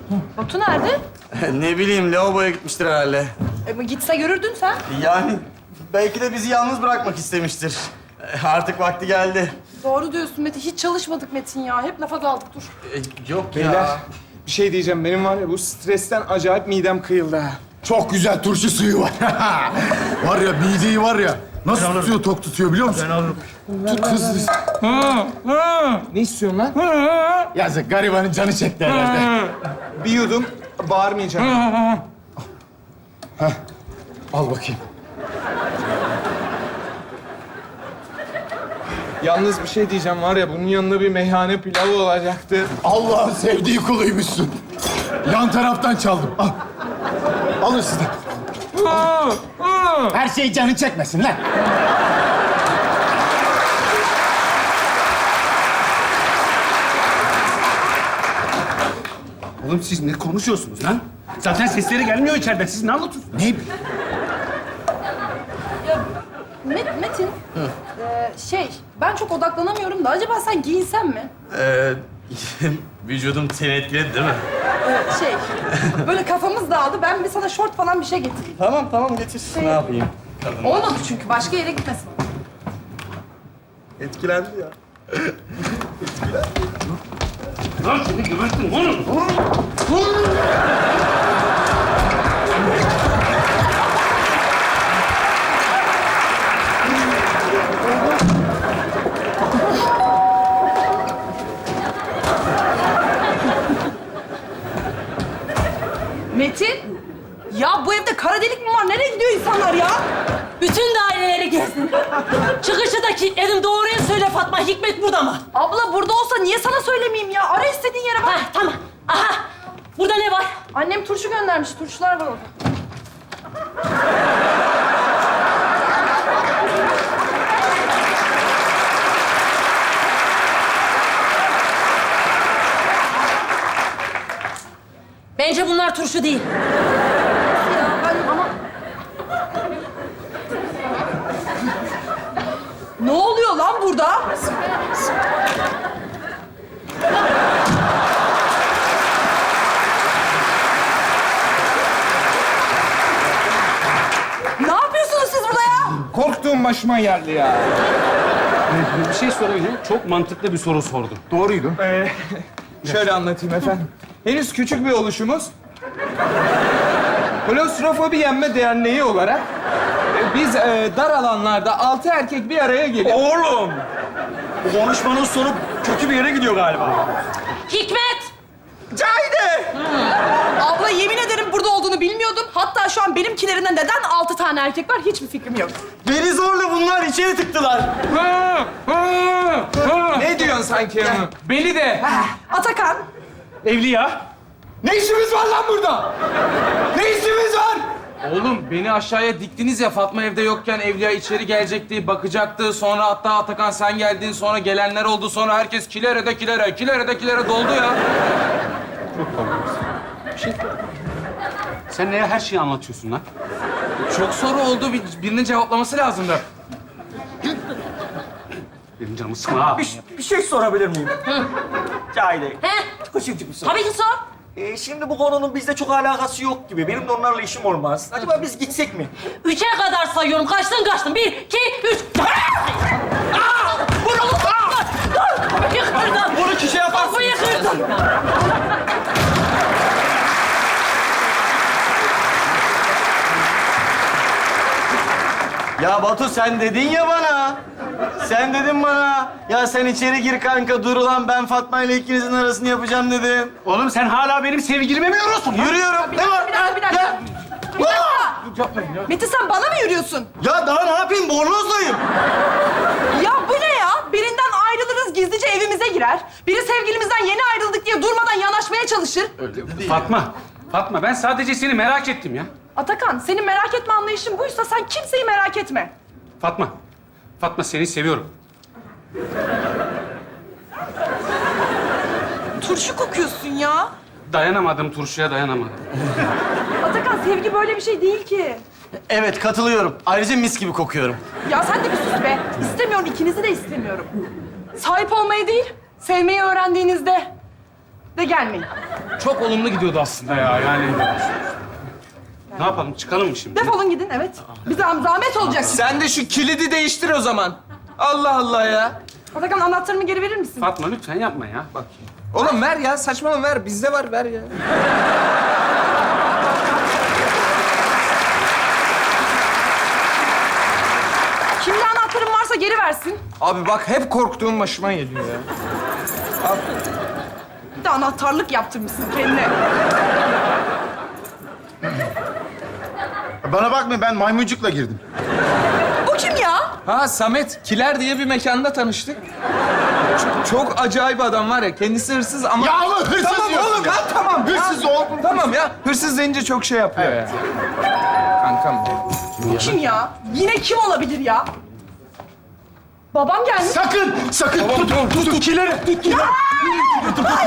Batu nerede? Ne bileyim, lavaboya gitmiştir herhalde. Gitse görürdün sen. Yani belki de bizi yalnız bırakmak istemiştir. Artık vakti geldi. Doğru diyorsun Metin. Hiç çalışmadık Metin ya. Hep lafa daldık dur. Yok Beyler, ya. bir şey diyeceğim. Benim var ya bu stresten acayip midem kıyıldı ha. Çok güzel turşu suyu var. Var ya mideyi var ya. Nasıl tutuyor, tok tutuyor biliyor musun? Ben alırım. Tut hızlı. Ne istiyorsun lan? Yazık garibanın canı çekti herhalde. Bir yudum, bağırmayacağım. Al bakayım. Yalnız bir şey diyeceğim var ya, bunun yanında bir meyhane pilavı olacaktı. Allah'ın sevdiği kuluymuşsun. Yan taraftan çaldım. Al. Alın siz de. Her şey canı çekmesin lan. Oğlum siz ne konuşuyorsunuz lan? Zaten sesleri gelmiyor içeriden. Siz ne anlatıyorsunuz? Ne? Metin. Ben çok odaklanamıyorum da acaba sen giyinsen mi? Vücudum seni etkiledi değil mi? Böyle kafamız dağıldı. Ben bir sana şort falan bir şey getireyim. Tamam getir. Ne yapayım? Kadın Olmadı çünkü. Başka yere gitmesin. etkilendi ya. Lan seni gebertin oğlum. Metin! Ya bu evde kara delik mi var? Nereye gidiyor insanlar ya? Bütün daireleri gezdin. Çıkışı da kilitledin. Doğruyu söyle Fatma. Hikmet burada mı? Abla burada olsa niye sana söylemeyeyim ya? Ara istediğin yere bak. Ha, tamam. Aha. Burada ne var? Annem turşu göndermiş. Turşular var orada. Bence bunlar turşu değil. Ya ben ama... Ne oluyor lan burada? Ne yapıyorsunuz siz burada ya? Korktuğum başıma geldi ya. Bir şey sorabilirim. Çok mantıklı bir soru sordum. Doğruydu. Şöyle anlatayım efendim. Henüz küçük bir oluşumuz. Klostrofobi Yenme Derneği olarak biz dar alanlarda 6 erkek bir araya gelip... Oğlum! Bu konuşmanın sonu kötü bir yere gidiyor galiba. Hikmet! Cahide! Abla yemin ederim burada olduğunu bilmiyordum. Hatta şu an benimkilerinden neden 6 tane erkek var hiçbir fikrim yok. Beni zorla bunlar içeri tıktılar. Ne diyorsun sanki ya? Beni de. Atakan, Evliya. Ne işimiz var lan burada? Ne işimiz var? Oğlum beni aşağıya diktiniz ya, Fatma evde yokken Evliya içeri gelecekti, bakacaktı. Sonra hatta Atakan sen geldin, sonra gelenler oldu. Sonra herkes kilere de kilere doldu ya. Sen neye her şeyi anlatıyorsun lan? Çok soru oldu, birinin cevaplaması lazımdı. Benim canımı sıkma ha. Bir şey sorabilir miyim? Cahide, He? küçücük bir soru. Tabii ki sor. Şimdi bu konunun bizde çok alakası yok gibi. Benim de onlarla işim olmaz. Acaba biz gitsek mi? 3'e kadar sayıyorum. Kaçtın. 1, 2, 3. Vur oğlum. Dur. Kapıyı kırdın. Bunu kişi yaparsın. Kapıyı kırdın. Ya Batu sen dedin ya bana. Sen dedin bana. Ya sen içeri gir kanka dur ulan ben Fatma ile ikinizin arasını yapacağım dedin. Oğlum sen hala benim sevgilime mi yorulsun? Yürüyorum. Ne var? bir dakika. Ya, Bir dakika. Metin sen bana mı yürüyorsun? ya daha ne yapayım? Bornozdayım. Ya bu ne ya? Birinden ayrılırız gizlice evimize girer. Biri sevgilimizden yeni ayrıldık diye durmadan yanaşmaya çalışır. Fatma ben sadece seni merak ettim ya. Atakan senin merak etme anlayışın buysa sen kimseyi merak etme. Fatma seni seviyorum. Turşu kokuyorsun ya. Dayanamadım, turşuya dayanamadım. Atakan sevgi böyle bir şey değil ki. Evet katılıyorum. Ayrıca mis gibi kokuyorum. Ya sen de bir sus be. İstemiyorum, ikinizi de istemiyorum. Sahip olmayı değil, sevmeyi öğrendiğinizde de gelmeyin. Çok olumlu gidiyordu aslında ya yani. Ne yapalım? Çıkalım mı şimdi? Defolun gidin, evet. Bir zahmet olacak. Sen de şu kilidi değiştir o zaman. Allah Allah ya. Atakan, anahtarımı geri verir misin? Fatma lütfen yapma ya. Bak. Oğlum ver ya, saçmalama ver. Bizde var, ver ya. Kimde anahtarım varsa geri versin. Abi bak hep korktuğum başıma geliyor ya. Bir de anahtarlık yaptırmışsın kendine. Bana bakma, ben maymuncukla girdim. Bu kim ya? Ha Samet, Kiler diye bir mekanda tanıştık. Çok acayip adam var ya. Kendisi hırsız ama... Ya ama hırsız Tamam diyorsun oğlum, ya. ha, tamam. Hırsız Ha, ol. Tamam ya, hırsız deyince çok şey yapıyor ya. Kankam. Bu kim ya? Yine kim olabilir ya? Babam gelmiş. Sakın, sakın. Tut, tut, tut. Kileri, tut, kileri.